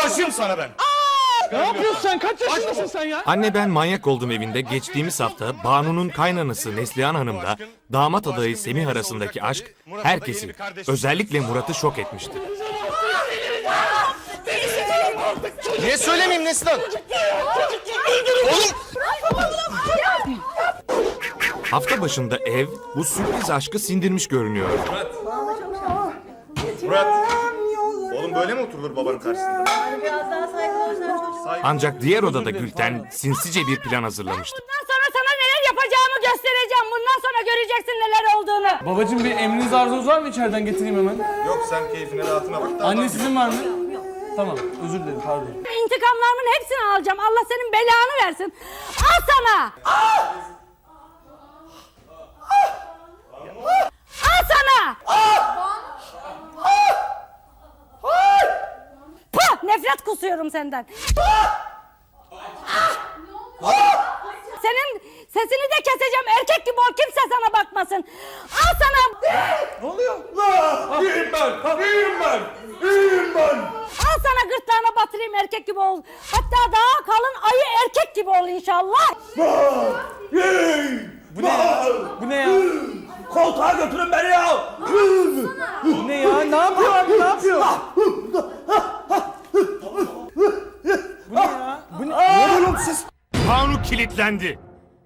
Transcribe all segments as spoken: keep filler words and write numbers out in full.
Aşığım sana ben. Ne yapıyorsun sen? Kaç yaşındasın sen ya? Anne ben manyak oldum evinde geçtiğimiz hafta Banu'nun kaynanası Neslihan Hanım'la damat adayı Semih arasındaki aşk herkesi, özellikle Murat'ı şok etmişti. Niye söylemeyeyim Neslihan? Oğlum! Hafta başında ev bu sürpriz aşkı sindirmiş görünüyor. Murat! Oğlum böyle mi oturulur babanın karşısında? Biraz daha saygılı olsan çocuk. Ancak diğer odada Gülten sinsice bir plan hazırlamıştı. Bundan sonra sana neler yapacağımı göstereceğim. Bundan sonra göreceksin neler olduğunu. Babacığım bir emriniz arzunuz var mı, içeriden getireyim hemen? Yok sen keyfine rahatına bak da. Anne sizin var mı? Tamam, özür dilerim, pardon. İntikamlarımın hepsini alacağım. Allah senin belanı versin. Al sana. Al sana. Puh, nefret kusuyorum senden. Senin sesini de keseceğim. Erkek gibi ol, kimse sana bakmasın. Al sana. Ne oluyor? La! İyiyim ben! İyiyim ben! İyiyim ben! Al sana gırtlağına batırayım, erkek gibi ol. Hatta daha kalın ayı erkek gibi ol inşallah. Bu ne ya? Bu ne ya? Koltuğa götürün beni ya! Bu ne ya? Ne yapıyor abi, ne yapıyor? Bu ne ya? Bu ne? Ne oğlum siz? Banu kilitlendi.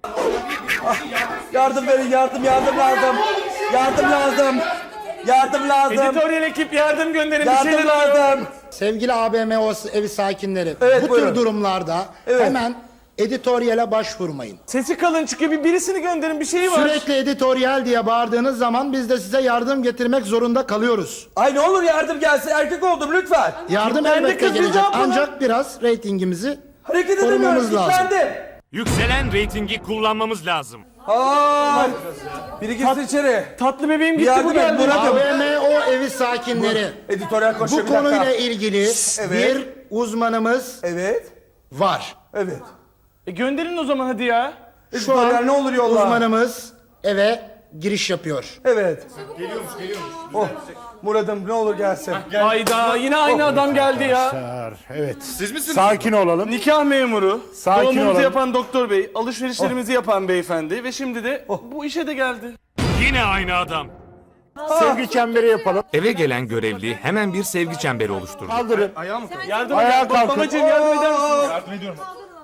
Yardım verin, yardım, yardım lazım. Yardım lazım. Yardım lazım. Editoryal ekip yardım gönderin, bir Yardım şeyler lazım. Sevgili A B M O evi sakinleri, Evet, bu buyurun. tür durumlarda Evet. hemen editoryale başvurmayın. Sesi kalın çıkıyor, bir birisini gönderin, bir şey var. Sürekli editoryal diye bağırdığınız zaman biz de size yardım getirmek zorunda kalıyoruz. Ay ne olur yardım gelsin. Erkek oldum lütfen. Yardım Ben de elbette kızım, ne gelecek yapalım? ancak biraz reytingimizi Hareket edemiyorum. korumamız lazım. Kilitlendim. Yükselen reytingi kullanmamız lazım. Ay. Biri girsin içeri. Tatlı bebeğim Bir gitti, yardım bu et geldi. Murat'ım. A B M O evi sakinleri, Editoryal koşuyor bu bir dakika. konuyla ilgili Evet. bir uzmanımız Evet. var. Evet. E gönderin o zaman hadi ya. Şu Editoryal an ne olur yolla. uzmanımız eve giriş yapıyor. Evet. Geliyormuş geliyormuş. Oh. Murat'ım ne olur gelsin. Hayda, yine aynı adam geldi ya. Evet. Siz misiniz? Sakin olalım. Nikah memuru, Sakin doğumumuzu olalım. yapan doktor bey, alışverişlerimizi yapan beyefendi ve şimdi de bu işe de geldi. Yine aynı adam. Sevgi çemberi yapalım. Eve gelen görevli hemen bir sevgi çemberi oluşturdu. Kaldırın. Yardım Ayağa edin. kalkın. Babacığım yardım eder misiniz? Yardım ediyorum.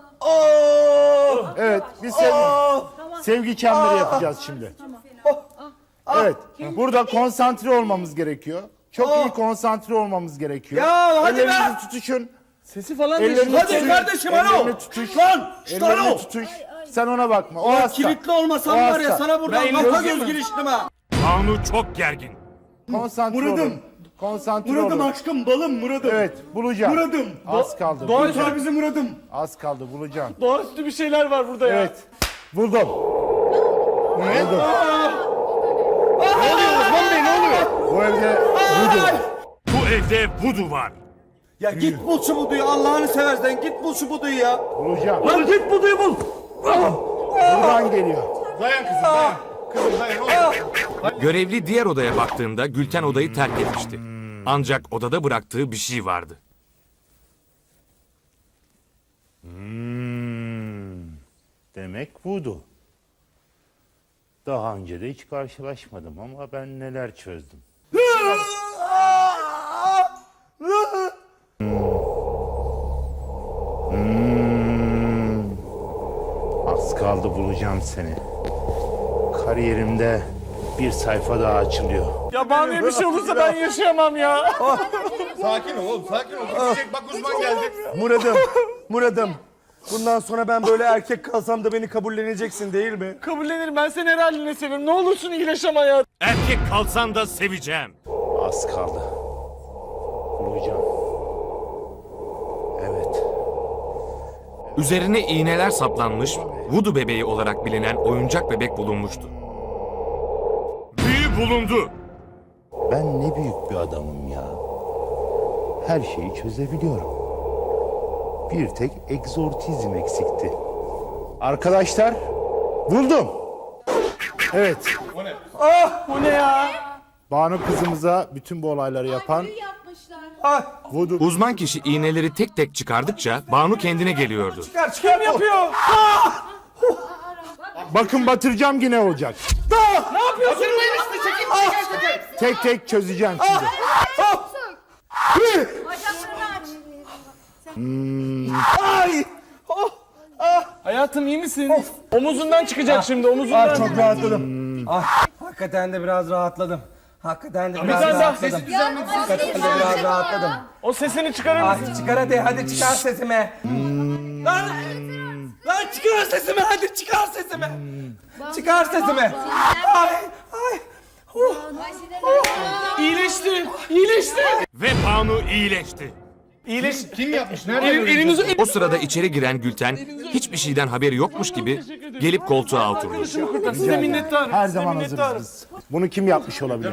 Oo. Evet. Biz sevgi, sevgi çemberi yapacağız şimdi. Evet. Burada konsantre olmamız gerekiyor. Çok iyi konsantre olmamız gerekiyor. Ya hadi be. Ellerinizi tutuşun. Sesi falan Ellerini değişti. Hadi kardeşim, alo. Ellerini tutuş. Lan. Şşt, Ellerini alo. tutuş. Sen ona bakma. O hasta. Kilitli olmasam O var ya hasta. sana buradan Ben kafa elini göz giriştim ha. Banu çok gergin. Konsantre Murat'ım. olun. Konsantre Muradım olun. aşkım balım Muradım. Evet. Bulacağım. Muradım. Az kaldı. Doğru bulacağım. Kurtar bizi Muradım. Az kaldı. Bulacağım. Doğaüstü bir şeyler var burada ya. Evet. Buldum. Ne? Buldum. Ne oluyor Osman Bey, ne oluyor? Bu evde budu var. Bu evde vudu var. Ya git bul şu buduyu Allah'ını seversen git bul şu buduyu ya. Bulacağım. Lan git buduyu bul. Buradan geliyor. Dayan kızım dayan. Kızım dayan oğlum. Görevli diğer odaya baktığında Gülten odayı terk etmişti. Ancak odada bıraktığı bir şey vardı. Hmm, demek budu. Daha önce de hiç karşılaşmadım ama ben neler çözdüm. Hmm, az kaldı bulacağım seni. Kariyerimde bir sayfa daha açılıyor. Ya Banu'ya bir şey olursa ben yaşayamam ya. Sakin ol oğlum sakin ol. Bitecek bak uzman geldi. Muradım. Muradım. Bundan sonra ben böyle erkek kalsam da beni kabulleneceksin değil mi? Kabullenirim, ben seni her haline seviyorum. Ne olursun iyileş ama ya. Erkek kalsan da seveceğim. Az kaldı. Bulacağım. Evet. Üzerine iğneler saplanmış, vudu bebeği olarak bilinen oyuncak bebek bulunmuştu. Büyü bulundu. Ben ne büyük bir adamım ya. Her şeyi çözebiliyorum. Bir tek egzortizm eksikti. Arkadaşlar, buldum. Evet, Bu ne ya? Banu kızımıza bütün bu olayları yapan Ay. Uzman kişi iğneleri tek tek çıkardıkça Banu kendine geliyordu. Çıkar çıkar. Kim yapıyor? Bakın batıracağım yine olacak. Ne yapıyorsun? Tek tek çözeceğim şimdi. Ay. Hayatım iyi misin? Omuzundan çıkacak şimdi omuzundan. Ah, çok rahatladım. Ah, hakikaten de biraz rahatladım. Hakikaten de biraz tane daha rahatladım. Hakikaten de biraz rahatladım. O sesini çıkarır mısın? Ay çıkar hadi, hadi çıkar sesimi. Lan, lan çıkar sesimi, hadi çıkar sesimi. Çıkar sesimi. Ay, ay. Oh. İyileşti. İyileşti. Ve Banu iyileşti. İyileş. Kim yapmış? Nerede? El, elinizi... O sırada içeri giren Gülten hiçbir şeyden haberi yokmuş gibi gelip koltuğa oturdu. Size minnettarım. Her size zaman minnettarım. hazırız biz. Bunu kim yapmış olabilir?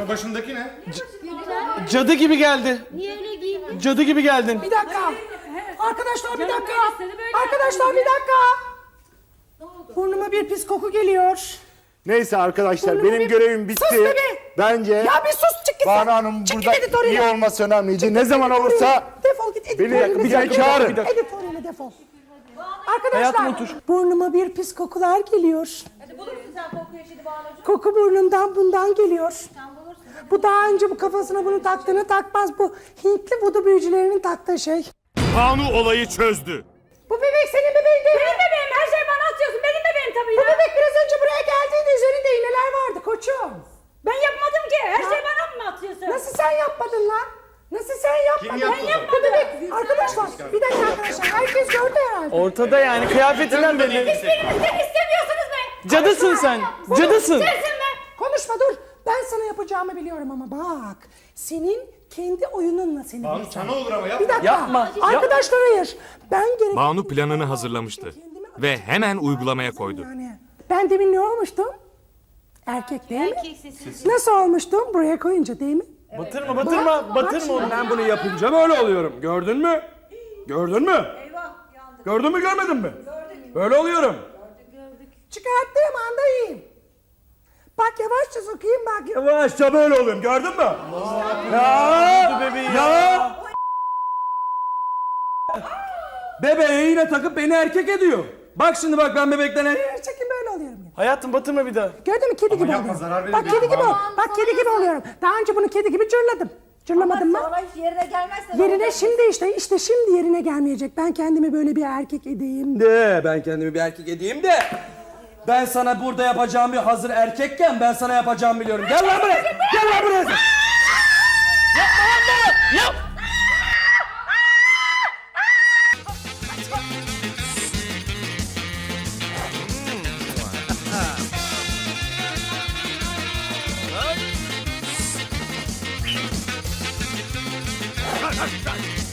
Cadı gibi geldi. Niye öyle giyindin? Cadı gibi geldin. Bir dakika. Arkadaşlar bir dakika. Böyle Arkadaşlar bir dakika. Burnuma bir pis koku geliyor. Neyse arkadaşlar Burnuma benim bir- görevim bitti. Sus be! Bence Ya bir sus, çık git Banu sen. Hanım Çık git burada editörüne. iyi olması önemliydi. Ne zaman olursa Defol git editörüne. beni bir daha çağırın. Editörüne defol. Arkadaşlar Hayatım otur. burnuma bir pis kokular geliyor. Hadi bulursun sen kokuyu şimdi Banu'cum. Koku burnumdan bundan geliyor. Bu daha önce bu kafasına bunu taktığını takmaz. Bu Hintli vudu büyücülerinin taktığı şey. Banu olayı çözdü. Bu bebek senin bebeğin değil mi? Benim bebeğim, her şeyi bana atıyorsun. Benim bebeğim tabii Bu ya. bebek biraz önce buraya geldiğinde üzerinde iğneler vardı koçum. Ben yapmadım ki. Her şeyi bana mı atıyorsun? Nasıl sen yapmadın lan? Nasıl sen yapmadın? Ben Bu yapmadım. bebek, arkadaşlar bir dakika arkadaşlar herkes gördü herhalde. Ortada yani kıyafetinden belli. Hiçbiriniz de istemiyorsunuz be. Cadısın sen. Cadısın. Sensin be. Konuşma dur. Ben sana yapacağımı biliyorum ama bak. Senin kendi oyununla seni Banu sana olur ama yapma. Bir dakika. Yapma, Arkadaşlar hayır. Ben gerek... Banu planını hazırlamıştı ve hemen uygulamaya koydu. Yani ben demin ne olmuştum? Erkek değil mi? Erkek sesi. Nasıl olmuştum? Buraya koyunca değil mi? Batırma batırma batırma onu. Ben bunu yapınca böyle oluyorum. Gördün mü? Gördün mü? Gördün mü görmedin mi? Böyle oluyorum. Çıkarttığım anda iyiyim. Bak yavaşça sokayım bak. Yavaşça böyle oluyorum. Gördün mü? Ya! Ya! Bebeği yine takıp beni erkek ediyor. Bak şimdi bak ben bebekten er- Çekin böyle oluyorum. yine. Hayatım batırma bir daha. Gördün mü kedi gibi oluyorum. Bak kedi gibi ol. Bak kedi gibi oluyorum. Daha önce bunu kedi gibi cırladım. Cırlamadım mı? Sonra hiç yerine gelmezse. Yerine şimdi işte işte şimdi yerine gelmeyecek. Ben kendimi böyle bir erkek edeyim. De ben kendimi bir erkek edeyim de. Ben sana burada yapacağımı hazır erkekken ben sana yapacağımı biliyorum. Gel lan buraya. Gel lan buraya. Yapma.